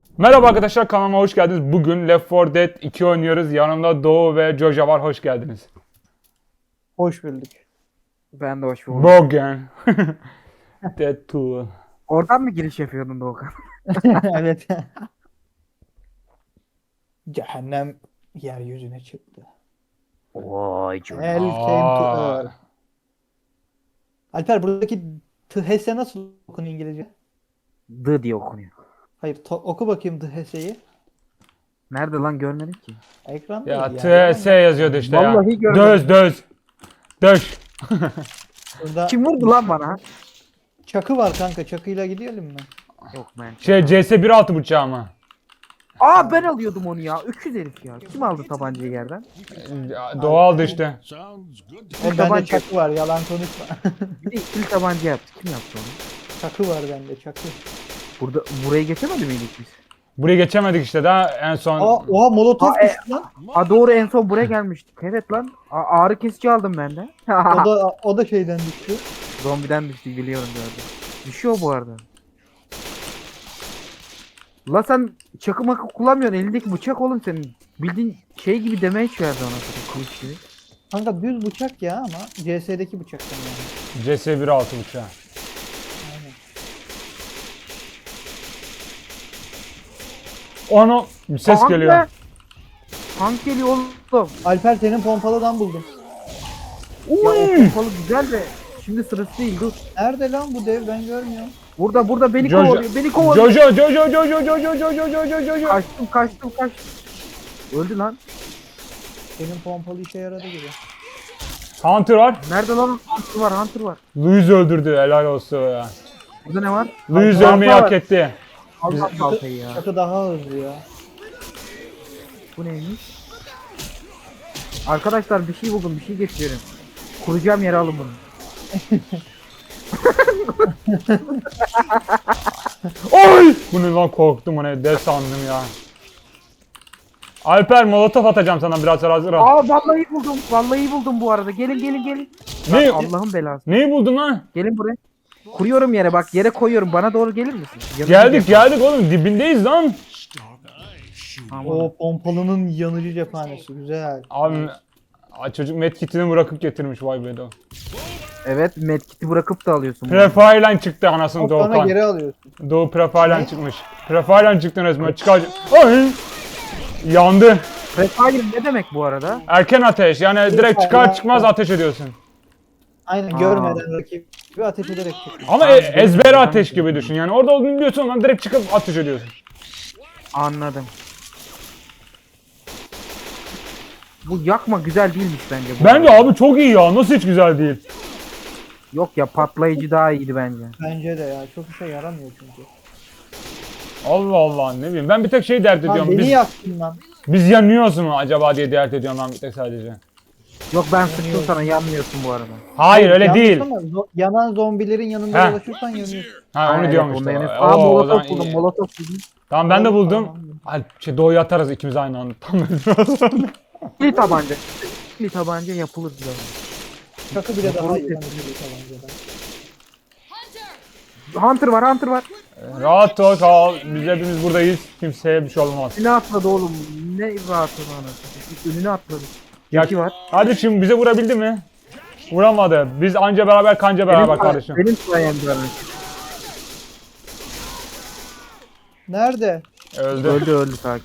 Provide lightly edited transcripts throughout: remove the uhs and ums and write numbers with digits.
Merhaba arkadaşlar, kanalıma hoş geldiniz. Bugün Left 4 Dead 2 oynuyoruz. Yanımda Doğu ve Joja var. Hoş geldiniz. Hoş bulduk. Ben de hoş buldum. Bugün Dead 2. Oradan mı giriş yapıyordun Doğukan? Evet. Cehennem yeryüzüne çıktı. Vay canına. Hell came to earth. Alper buradaki THS nasıl okunuyor İngilizce? D diye okunuyor. Hayır oku bakayım THS'yi. Nerede lan görmedim ki. Ekranda Ya ya. TS yazıyordu işte ya. Vallahi görmedim. Döz. Döş. Burada Kim vurdu lan bana? çakı var kanka. Çakıyla gidelim mi? Yok ben. Şey CS 1.6 bıçağı mı? Aa ben alıyordum onu ya. Öküz herif ya. Kim aldı tabancayı yerden? Doğu aldı işte. Bende tabanca. çakı var. Yalan konuşma. Bir de ikili tabanca yaptı. Kim yaptı onu? Çakı var bende çakı. Buraya geçemedi miydik biz? Buraya geçemedik işte daha en son. Oha molotof Aa, düştü lan. Aa doğru en son buraya gelmiştik. Evet lan. Ağrı kesici aldım ben de. O da şeyden düştü. Zombiden düştü biliyorum gördüm. Düşüyor bu arada. La sen çakı makı kullanmıyorsun. Elindeki bıçak oğlum senin. Bildiğin şey gibi demeye verdi ona zaten kılıç gibi. Kanka düz bıçak ya ama CS'deki bıçaktan yani. CS 1.6 bıçağı. Onu ses Tank geliyor. be! Tank geliyor oğlum. Alper senin pompalıdan buldum. Ya o pompalı güzel de şimdi sırası değil dur. Nerede lan bu dev ben görmüyorum. Burada beni Jojo. kovalıyor. Beni kovalıyor. Jojo. Kaçtım. Öldü lan. Senin pompalı işe yaradı gibi. Hunter var. Nerede lan? Hunter var. Louis öldürdü, helal olsun ya. Burada ne var? Louis Balta ölmeyi var. hak etti. Allah baltayı ya. Çakı daha hızlı ya. Bu neymiş? Arkadaşlar bir şey buldum. Bir şey getiriyorum. Kuracağım yere alın bunu. Oy! Bunu lan korktum, hani de sandım ya. Alper molotof atacağım sana, biraz sonra hazır ol. Aa vallahi buldum bu arada. Gelin. Ne? Allah'ın belası. Neyi buldun lan? Gelin buraya. Kuruyorum yere bak. Yere koyuyorum. Bana doğru gelir misin? Yanına Geldik oğlum, dibindeyiz lan. Aman. O pompalının yanıcı cephanesi güzel. Abi çocuk medkitini bırakıp getirmiş, vay be de. Evet medkit'i bırakıp da alıyorsun. bunu. Prefire'lan çıktı anasını Sonra Doğukan. geri alıyorsun. Doğu Prefire'lan çıkmış. Prefire'lan çıktı resmen, çıkar. Ay! Yandı. Prefire ne demek bu arada? Erken ateş, yani direkt çıkar çıkmaz ateş ediyorsun. Aynen Aa. görmeden rakibi ateş ederek çıkıyor. Ama Abi, ezber ben- ateş gibi düşün, yani orada olduğunu biliyorsun ama direkt çıkıp ateş ediyorsun. Anladım. Bu yakma güzel değilmiş bence. Bu Bence arada. abi çok iyi ya, nasıl hiç güzel değil. Yok ya patlayıcı daha iyiydi bence. Bence de ya çok işe yaramıyor çünkü. Allah Allah, ne bileyim, ben bir tek şey dert Lan ediyorum, beni yaktın lan. biz yanıyoruz mu acaba diye dert ediyorum ben bir tek sadece. Yok ben sıktım sana yanmıyorsun bu arada. Hayır öyle Yanlış değil. ama yanan zombilerin yanında He. dolaşırsan yanıyorsun. Ha onu Evet, diyorum onda işte. yani- Oo, Aa o zaman molotof buldum iyi. molotof buldum. Tamam ben de buldum. Tamam. Hadi doğuyu atarız ikimiz aynı anda. Tamam. İkili tabanca. İkili tabanca yapılır bile. Çakı bile daha iyi. Doğru. lan ikili tabancadan. Hunter var. Rahat ol kal. Biz hepimiz buradayız. Kimseye bir şey olmaz. Önüne atladı oğlum. Ne rahatı anasını. Önüne atladı. Ya, Yaki var. hadi şimdi bize vurabildi mi? Vuramadı. Biz anca beraber kanca beraber kardeşim. Benim sayemde ölmüş. Nerede? Öldü. Öldü sakin.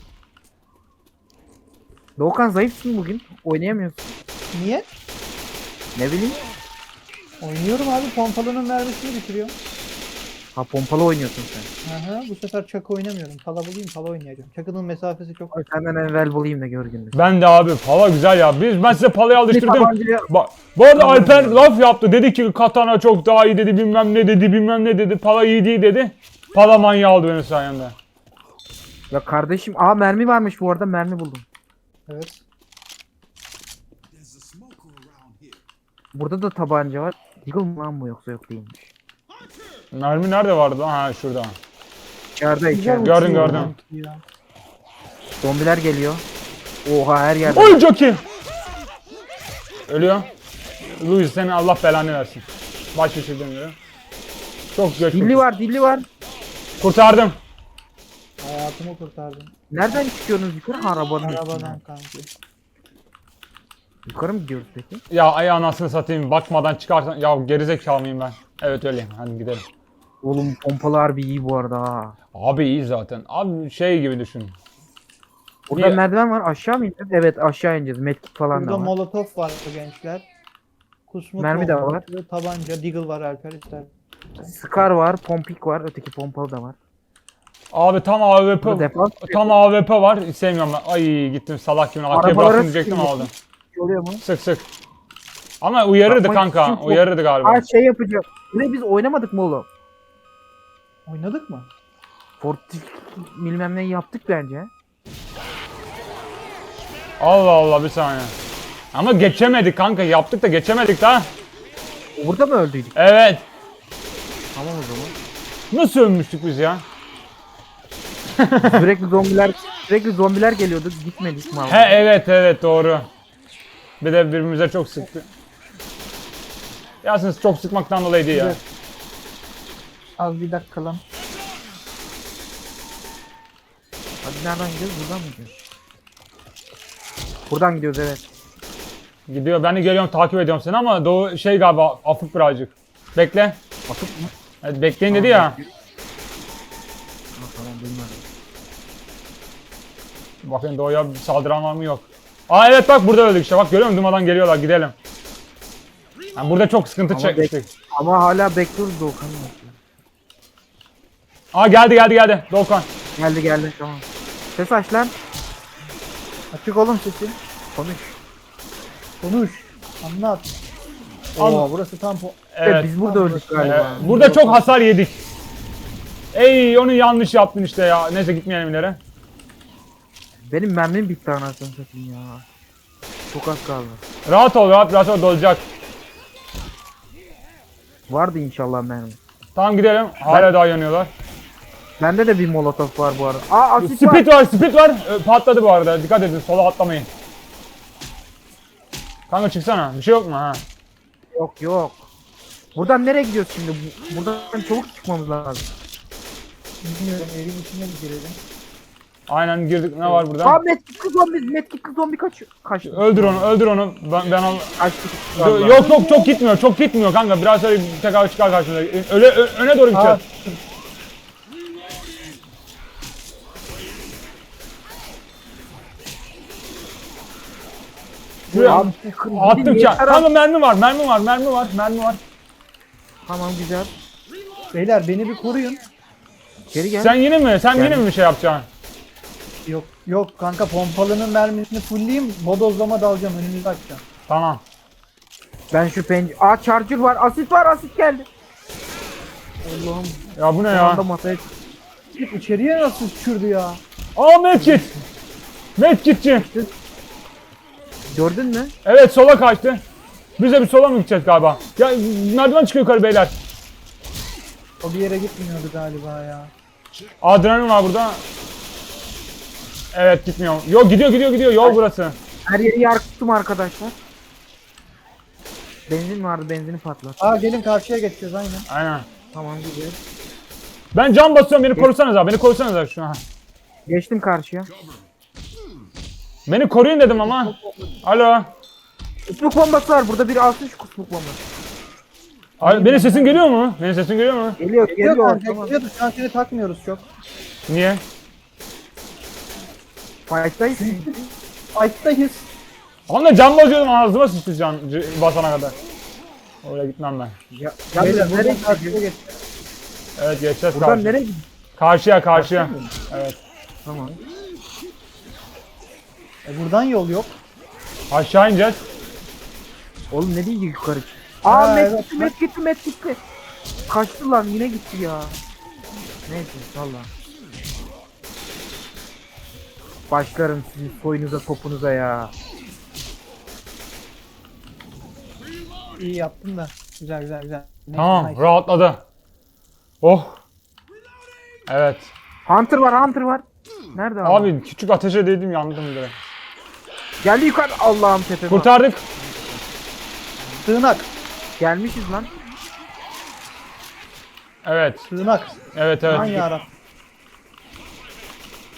Doğukan zayıfsın bugün. Oynayamıyorsun. Niye? Ne bileyim. Oynuyorum abi pompalının mermisini bitiriyorum. Ha pompalı oynuyorsun sen. Aha, bu sefer çakı oynamıyorum. Pala bulayım pala oynayacağım. Çakının mesafesi çok. Ay, senden evvel bulayım da gör gününü. Ben de abi pala güzel ya. Ben size palayı alıştırdım. Tabancaya- Bu arada Alper laf yaptı. Dedi ki katana çok daha iyi dedi. Bilmem ne dedi. Pala iyi değil dedi. Pala manyağı aldı benim sayemde. Ya kardeşim mermi varmış bu arada mermi buldum. Evet. Burada da tabanca var. Deagle mı lan bu yoksa yok değilmiş. Mermi nerede vardı lan? Ha şurada. İçeride Güzel içeride. Gördüm, uçuyor gördüm. ya. Zombiler geliyor. Oha her yerde. Oy Jockey! Ölüyor. Louis seni Allah belanı versin. Baş şişirdim diyor. Çok geç. Dilli var. Kurtardım. Hayat Hayatımı kurtardın. Nereden çıkıyorsunuz yukarı? Ha, arabanın üstünden. Arabadan kanki. Yukarı mı gidiyoruz peki? Ya ay anasını satayım bakmadan çıkarsan. Ya gerizekalı mıyım ben? Evet öyleyim. Hadi gidelim. Oğlum pompalı harbi iyi bu arada ha. Abi iyi zaten. Abi şey gibi düşün. Burada Bir- merdiven var, aşağı mı ineceğiz? Evet, aşağı ineceğiz. Medkit falan Burada da var. molotof var gençler. Kusmuk Mermi de bombası, var. Tabanca, deagle var Alper ister. Scar var, pompik var, öteki pompalı da var. Abi tam AWP. Burada defans Tam AWP var. Sevmiyorum ben. Ay gittim salak gibi. AK Arabalara bıraktım diyecektim sıkıyor. aldım. oluyor mu? Sık sık. Ama uyarırdı Bakmak kanka. için çok- Uyarırdı galiba. Ha şey yapacağım. Burayı biz oynamadık mı oğlum? Oynadık mı? Fortik bilmem neyi yaptık bence. Allah Allah bir saniye. Ama geçemedik kanka. Yaptık da geçemedik daha. Burada mı öldüydük? Evet. Tamam o zaman. Nasıl ölmüştük biz ya? sürekli zombiler geliyordu. Gitmedik mi? He evet doğru. Bir de birbirimize çok sıktı. Yasin çok sıkmaktan dolayı değil ya. Evet. Az bir dakika lan. Hadi nereden gidiyoruz? Buradan mı gidiyoruz? Buradan gidiyoruz evet. Gidiyor. Ben de geliyorum takip ediyorum seni ama Doğu şey galiba afık birazcık. Bekle. Atıp mı? Evet, bekleyin dedi ya. Ha, tamam bilmiyorum. Bakın Doğu'ya bir saldıran var mı yok. Aa evet bak burada öldük işte. Bak görüyor musun? Durmadan geliyorlar. Gidelim. Yani burada çok sıkıntı Ama çekmiştik. Ama hala bekliyoruz Doğukan'ı. Aa geldi Doğukan. Geldi tamam. Ses aç lan. Açık oğlum sesin. Konuş. Konuş. Anlat. Anlat. Oo burası tam Evet. Biz burada öldük galiba. Burada çok hasar yedik. Ey onu yanlış yaptın işte ya. Neyse gitmeyelim ileri. Benim mermim bitti anasını satayım ya. Çok az kaldı. Rahat ol rahat ol dolacak. Vardı inşallah mermi. Tamam gidelim. Hala daha yanıyorlar. Bende de bir molotof var bu arada. Aa asit var. Speed var. Patladı bu arada. Dikkat edin sola atlamayın. Kanka çıksana. Bir şey yok mu ha? Yok. Buradan nereye gidiyoruz şimdi? Buradan çabuk çıkmamız lazım. bilmiyorum evin içine bir girelim. Aynen girdik. Ne var burada? Aa medkitli zombi kaçtı. Öldür onu. Ben al. Kaçtı. Yok çok gitmiyor kanka. Biraz sonra tekrar çıkar karşımıza. Öne doğru Aa, gideceğiz. Şuraya Abi, attım ki. Kanka mermi var. Tamam güzel. beyler beni bir koruyun. Geri gel. Sen yine mi bir şey yapacaksın? Yok kanka pompalının mermisini fullleyeyim. Bodozlama dalacağım önümüzü açacağım. Tamam. Ben şu Aa charger var. Asit geldi. Allah'ım. Ya bu ne Şu ya? anda masaya Git içeriye nasıl düşürdü ya? Aa medkit. Medkitçi. gördün mü? Evet sola kaçtı. Biz de bir sola mı gideceğiz galiba? Ya merdiven çıkıyor yukarı beyler. O bir yere gitmiyordu galiba ya. Adrenalin var burada. Evet gitmiyor. Yok gidiyor. Yol burası. Her yeri yarktım arkadaşlar. Benzin vardı, benzini patlat. Aa gelin karşıya geçeceğiz aynen. Aynen. Tamam güzel. Ben cam basıyorum beni korusanız abi. Beni korusanız abi şuna. Geçtim karşıya. Beni koruyun dedim ama. Alo. Kusmuk bombası var. Burada biri alsın şu kusmuk bombası. Abi, benim sesim geliyor mu? Geliyor. Geliyor kanka Tamam. geliyordu. Şu an seni takmıyoruz çok. Niye? Fight'tayız. Fight'tayız. Onunla cam basıyordum ağzıma sıçtı can basana kadar. Oraya gitmem ben. Ya, Beyler nereye buradan karşıya gidiyoruz? geçeceğiz. Evet geçeceğiz Buradan karşıya. nereye gidiyoruz? Karşıya. Evet. Tamam. Buradan yol yok. Aşağı ineceğiz. Oğlum ne diyecek yukarı? Ha, Aa evet. met gitti. Kaçtı lan yine gitti ya. Neyse valla. Başlarım sizin soyunuza topunuza ya. İyi yaptın da. Güzel. Neyse, Tamam nice. rahatladı. Oh. Evet. Hunter var. Nerede abi? Abi küçük ateşe değdim yandım direkt. Geldi yukarı. Allah'ım tepeme. Kurtardık. Sığınak. Gelmişiz lan. Evet. Sığınak. Evet. Aman yarabbim.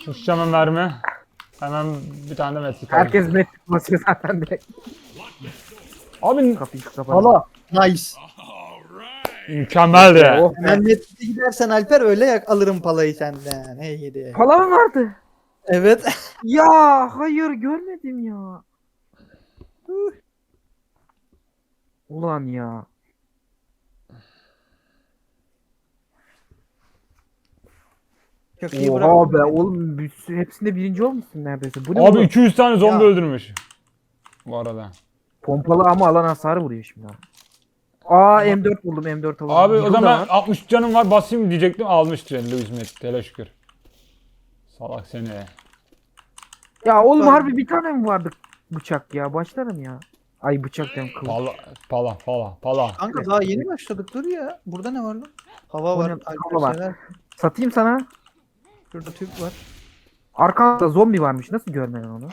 Uçacağım mermi. Hemen bir tane de metrik. Herkes met basıyor zaten direkt. Abi Kapıyı kapat. Pala. Nice. mükemmeldi. Oh Hemen Netflix'e gidersen Alper öyle alırım palayı senden. Hey gidi. Pala mı vardı? Evet. Ya hayır görmedim ya. Ulan ya. Çok iyi Oha bırak. be oğlum hepsinde birinci olmuşsun neredeyse. Bu ne Abi oğlum? 200 tane zombi Ya. öldürmüş. Bu arada. Pompalı ama alan hasarı vuruyor şimdi. Aa M4 buldum M4 alalım. Abi o Yıkıl da zaman var. 60 canım var basayım diyecektim almıştı Louis Met. Hele şükür. Salak seni. Ya oğlum Var. harbi bir tane mi vardı bıçak ya? Başlarım ya. Ay bıçak diyorum kılıç. Pala. Kanka daha yeni başladık dur ya. Burada ne var lan? Hava O var. ne? Alper Hava var. sever. Satayım sana. Şurada tüp var. Arkanda zombi varmış. Nasıl görmedin onu?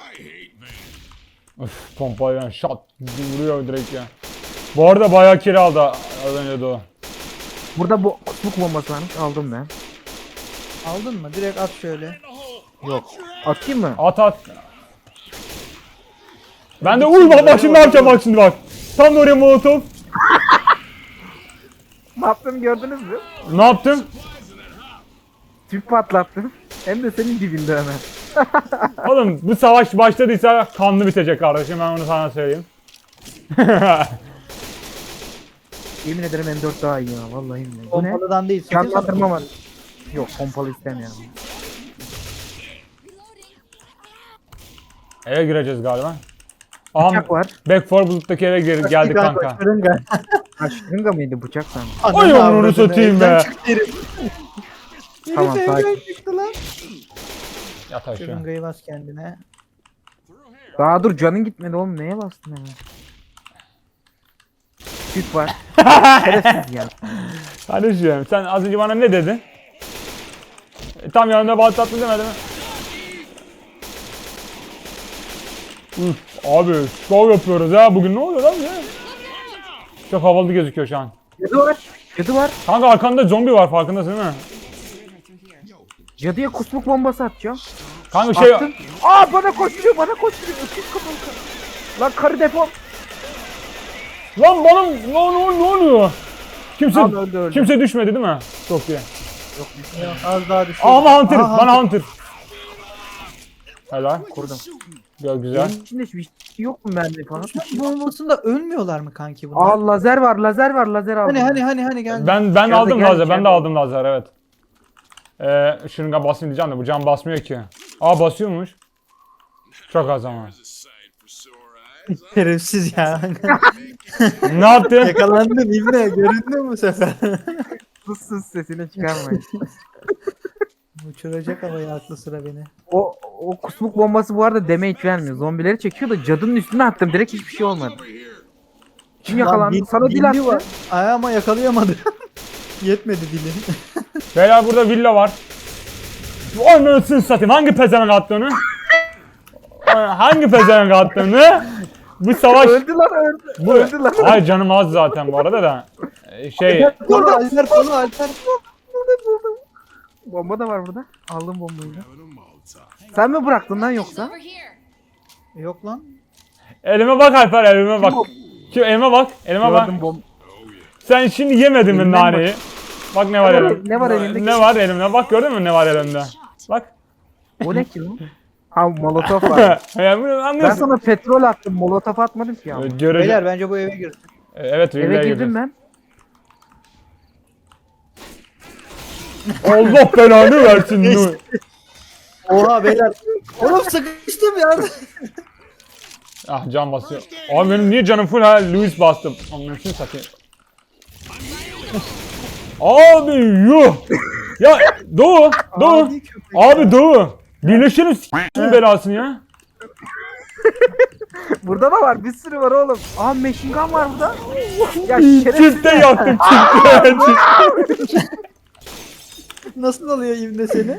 Öf pompayla şat vuruyor direkt ya. Bu arada bayağı kiri aldı az önce de o. Burada bu kutluk bombası varmış. Aldım ben. Aldın mı? Direkt at şöyle. Yok. Atayım mı? At. Ben de bak şimdi ne yapacağım bak şimdi bak. Tam da oraya molotof. Ne yaptım gördünüz mü? Ne yaptım? Tüp patlattım. Hem de senin dibinde hemen. Oğlum bu savaş başladıysa kanlı bitecek kardeşim ben onu sana söyleyeyim. Yemin ederim M4 daha iyi ya. Vallahi billahi. Bu ne? Pompalıdan değil. satıyorsan- Çarptırma var. Yok pompalı istemiyorum. Eve gireceğiz galiba. Aha Bıçak var. Back 4 Bulut'taki eve geldik kanka. Şırınga. Ha şırınga mıydı bıçak sandım. Oy Ananı onu avradını, satayım evden be. çıktı herif. Tamam, Herif sakin. evden çıktı lan. Yat aşağı. Şırıngayı bas kendine. Daha dur canın gitmedi oğlum neye bastın hemen? Tüp var. Şerefsiz ya. Kardeşim sen az önce bana ne dedin? Tam yanında patlattın demedin mi? Üf, abi şov yapıyoruz ya bugün ne oluyor lan ya? Çok havalı gözüküyor şu an. Cadı var. Cadı var. Kanka arkanda zombi var farkındasın değil mi? Cadıya kusmuk bombası atacağım. Kanka şey Attım. Aa bana koşturuyor bana koşturuyor. Öküz kafalı karı. Lan karı defol. lan bana ne oluyor? Kimse Al, öldü. kimse düşmedi değil mi? Çok iyi. Yok, az daha düşüyor. Ama Hunter, Aha, bana Hunter. Helal. Kurdum. Güzel. Benim içinde hiçbir şey yok mu mermi falan? Bombasında ölmüyorlar mı kanki bunlar? Aa lazer var lazer var lazer aldım. Hani gel. Ben Geldi, aldım geldi, lazer. Ben geldi. de aldım lazer evet. Şırınga basayım diyeceğim de bu cam basmıyor ki. Aa basıyormuş. Çok az ama. Şerefsiz ya. Ne yaptın? Yakalandın İbne. Göründü mü bu sefer? Sus sus sesini çıkarmayın. Uçuracak havaya aklı sıra beni. o kusmuk bombası bu arada damage vermiyor. Zombileri çekiyor da cadının üstüne attım direkt hiçbir şey olmadı. Kim yakalandı? Lan, Sana dil dili attı. var. Ay ama yakalayamadı. Yetmedi dili. Beyler burada villa var. Anasını satayım. Hangi pezevenk attı onu? Hangi pezevenk attı onu? Bu savaş... Öldü lan öldü. Bu... Öldü lan. Ay canım az zaten bu arada da. Şey... Burada Alper falan Alper. Bomba da var burada. Aldım bombayı da. Sen mi bıraktın lan yoksa? Over here. Yok lan. Elime bak Alper elime bak. Şu elime bak. Elime bak. Gördüm bomba. Sen şimdi yemedin mi Elimden naneyi? Bak ne var Ne var- elimde. ne var elinde? Ne var elimde? Bak gördün mü ne var elimde? Bak. O ne ki lan? Ha molotof var. Yani bunu Ben anlıyorsun. sana petrol attım. Molotof atmadım ki ya. Göreceğim. Beyler bence bu eve girsin. Evet Eve villaya girdim girdim. ben. Allah belanı versin. Nur. Oha beyler. Oğlum sıkıştım ya. Ah can basıyor. Abi benim niye canım full ha? Louis bastım. Anlıyorsun satayım. Abi yuh. Ya Doğu. Adi köpek Abi Doğu. Birleşelim s***ın belasını ya. Burada da var. Bir sürü var oğlum. Aa machine gun var burada. Ya şerefsiz. Çifte yaktım çifte. Nasıl alıyor İbne seni?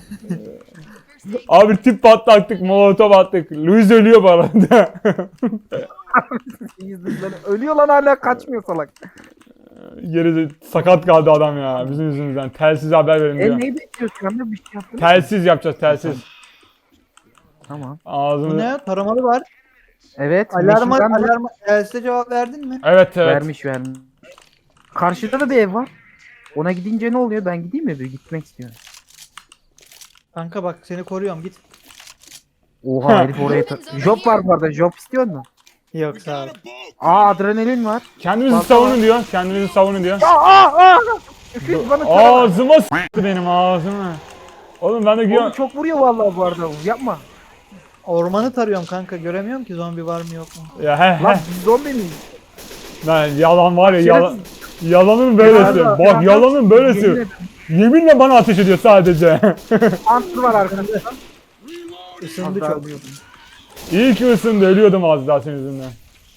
Abi tip patlattık, molotof attık. Louis ölüyor bu arada. Ölüyor lan hala kaçmıyor salak. Geri sakat kaldı adam ya bizim yüzümüzden. Telsiz haber verin diyor. Neyi bekliyorsun şu anda? Bir şey yaptın. Telsiz yapacağız telsiz. Tamam. Bu Ağzımı... ne? Taramalı var. Evet. Alarma, meşhurdan da alarma. Else cevap verdin mi? Evet evet. vermiş. Karşıda da bir ev var. Ona gidince ne oluyor? Ben gideyim mi? Bir gitmek istiyorum. Kanka bak seni koruyorum git. Oha herif oraya Job var bu arada. Job istiyor musun? Yok sağ ol. Aa adrenalin var. Kendinizi Fazla savunun var. diyor. Kendinizi savunun diyor. Aa! Öküz bana tarama. Ağzıma s**tı benim ağzıma. Oğlum ben de Oğlum giyiyorum. çok vuruyor vallahi bu arada. Yapma. Ormanı tarıyorum kanka göremiyorum ki zombi var mı yok mu? Ya he Lan he. biz zombi miyiz? Lan yalan var ya yalan. Şerefsiz. Yalanın böylesi. Yardım, Bak yardım. yalanın böylesi. Yemin Yeminle bana ateş ediyor sadece. Antır var arkadaşlar. Isındı Az daha çok. ölüyordum. İyi ki ısındı ölüyordum az daha senin yüzünden.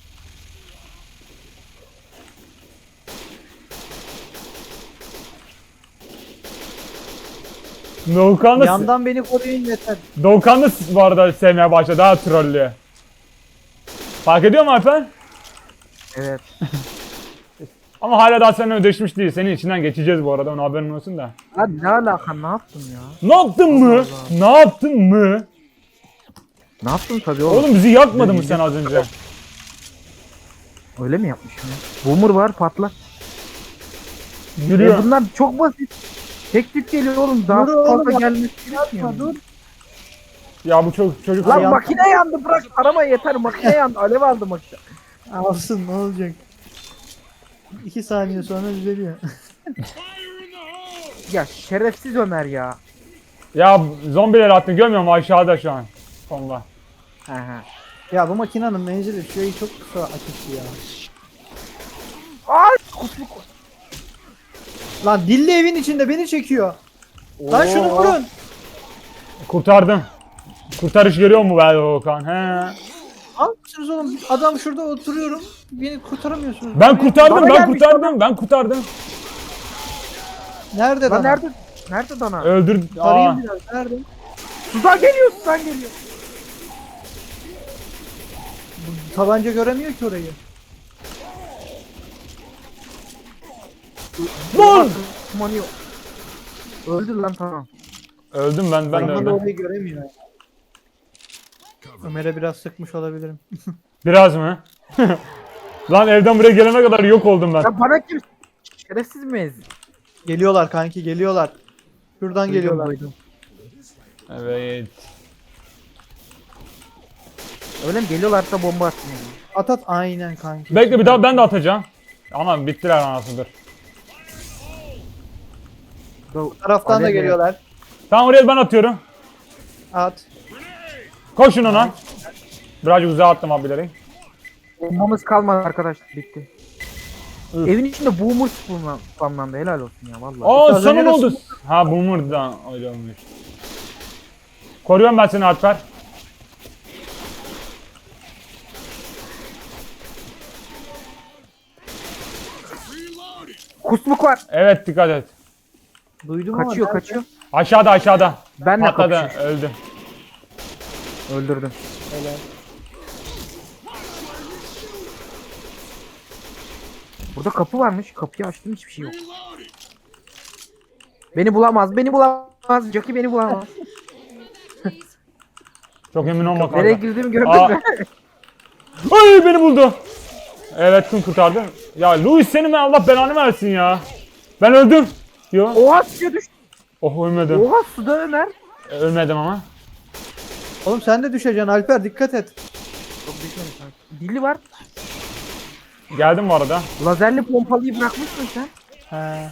Doğukan da, Yandan beni koruyun yeter. Doğukan da bu arada sevmeye başladı daha trollü. Fark ediyor mu Alper? Evet. Ama hala daha seninle ödeşmiş değil. Senin içinden geçeceğiz bu arada, ona haberin olsun da. Lan ne alaka ne yaptın ya? Ne yaptın mı? Ne yaptın mı? Ne yaptın tabii oğlum. Oğlum bizi yakmadı mı sen az önce? Öyle mi yapmışım ya? Boomer var patla. Gülüyor. Bunlar çok basit. Tek tip geliyor oğlum. Daha Dur oğlum, fazla bak- gelmesi gerekmiyor. Dur. Ya bu çocuk Lan Yan- makine yandı bırak arama yeter makine yandı alev aldı makine. Alsın ne olacak? 2 saniye sonra düzeliyor. Ya şerefsiz Ömer ya. Ya zombiler attın görmüyor musun aşağıda şu an. Sonunda. He he. Ya bu makinenin menzili şurayı çok kısa açıktı ya. Ay kusmuk. Lan dilli evin içinde beni çekiyor. Lan şunu vurun. Kurtardım. Kurtarış görüyor mu be Doğukan? He. Al mısınız oğlum? Adam şurada oturuyorum. Beni kurtaramıyorsunuz. Ben kurtardım, Bana ben gelmiş kurtardım, ben kurtardım. Nerede Lan lan? nerede? Nerede dana? Öldür. Aa. Arayayım biraz. Nerede? Sudan geliyor sudan geliyor. Bu tabanca göremiyor ki orayı. Vur! Kumanıyor. Öldü lan tamam. Öldüm ben de Arkamda öldüm. orayı göremiyor. Ömer'e biraz sıkmış olabilirim. Biraz mı? Lan evden buraya gelene kadar yok oldum ben. Ya bana kim? Şerefsiz miyiz? Geliyorlar kanki geliyorlar. Şuradan geliyorlar. Duydum. Evet. Öyle mi geliyorlarsa bomba atın yani. At at aynen kanki. Bekle bir daha ben de atacağım. Ama bittiler anasıdır. Bu taraftan da Alev geliyorlar. Tamam oraya ben atıyorum. At. Koşun ona. Birazcık uzağa attım abileri. Bombamız kalmadı arkadaşlar bitti. Üf. Evin içinde boomer spamlandı helal olsun ya vallahi. Aa Az sana önce ne de oldu? Ha Boomer'dan öyle olmuş. Koruyorum ben seni Alper. Kusmuk var. Evet dikkat et. Duydum ama Kaçıyor nerede? kaçıyor. Aşağıda aşağıda. Ben de Patladı kapışıyorum. öldü. Öldürdüm. Helal. Burada kapı varmış. Kapıyı açtım hiçbir şey yok. Beni bulamaz. Beni bulamaz. Jockey beni bulamaz. Çok emin olma Nereye kanka. girdiğimi gördün Aa. mü? Ay beni buldu. Evet kim kurtardı? Ya Louis senin Allah belanı versin ya. Ben öldüm. Yo. Oha suya düştü. Oh ölmedim. Oha suda Ömer. Ölmedim ama. Oğlum sen de düşeceksin Alper dikkat et. Çok düşmemiş. Dili var. Geldim bu arada. Lazerli pompalıyı bırakmışsın sen. He.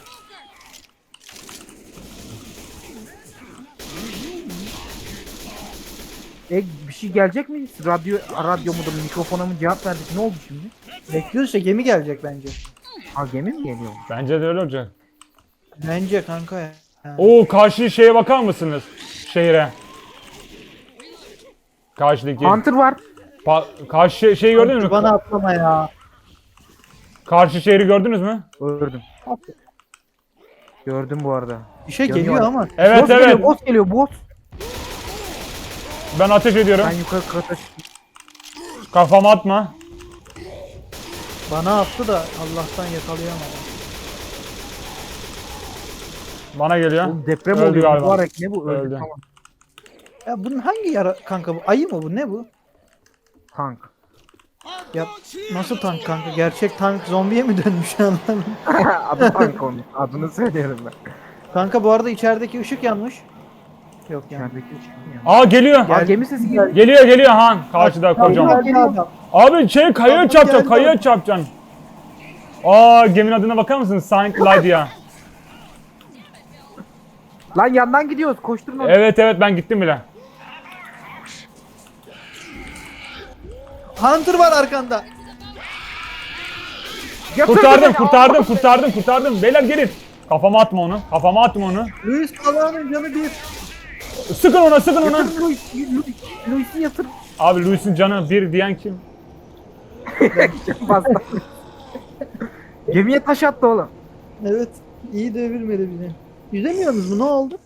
Bir şey gelecek mi? Radyo mudur, mikrofona mı cevap verdik? Ne oldu şimdi? Bekliyoruz işte gemi gelecek bence. Ha gemi mi geliyor? Bence de öyle olacak. Bence kanka ya. Ha. Oo karşı şeye bakar mısınız? Şehre. Karşıdaki. Hunter var. Karşı şeyi gördünüz mü? Bana atlama ya. Karşı şehri gördünüz mü? Gördüm. Gördüm bu arada. Bir şey Yanıyor geliyor abi. ama. Evet boss evet. geliyor, boss geliyor, boss. Ben ateş ediyorum. Ben yukarı kata Kafama atma. Bana attı da Allah'tan yakalayamadım. Bana geliyor. Oğlum deprem Öldü oluyor. galiba. Mübarek ne bu? Öldü. Öldü. Tamam. Ya bunun hangi yara kanka bu? Ayı mı bu? Ne bu? Tank. Ya nasıl tank kanka? Gerçek tank zombiye mi dönmüş anlamadım. Adı tank onun. Adını söylüyorum ben. Kanka bu arada içerideki ışık yanmış. Yok yanmış. İçerideki çıkmıyor. Aa geliyor. Aa gemi sesi geldi. Geliyor Han. Karşıda kocaman. Geldi adam. Abi şey kayaya Adam çarpacaksın, geldi. kayaya çarpacaksın. Aa geminin adına bakar mısın? Saint Lydia. Lan yandan gidiyoruz. Koşturun onu. Evet ben gittim bile. Hunter var arkanda. Götür Kurtardım. Beyler gelin. Kafama atma onu. Luis Salah'ın canı bir. Sıkın ona. Yatır Luis'i yatır. Abi Luis'in canı bir diyen kim? Bastı. Gemiye taş attı oğlum. Evet. İyi devirmedi bizi. Yüzemiyorsunuz mu? Ne oldu?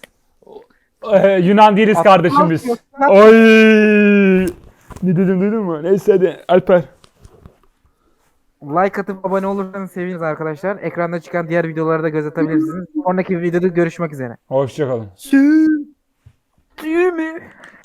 Yunan değiliz kardeşim biz. Oy! Ne dedim duydun mu? Neyse hadi Alper. Like atıp abone olursanız seviniriz arkadaşlar. Ekranda çıkan diğer videoları da göz atabilirsiniz. Sonraki videoda görüşmek üzere. Hoşçakalın. Sü. Düğümü.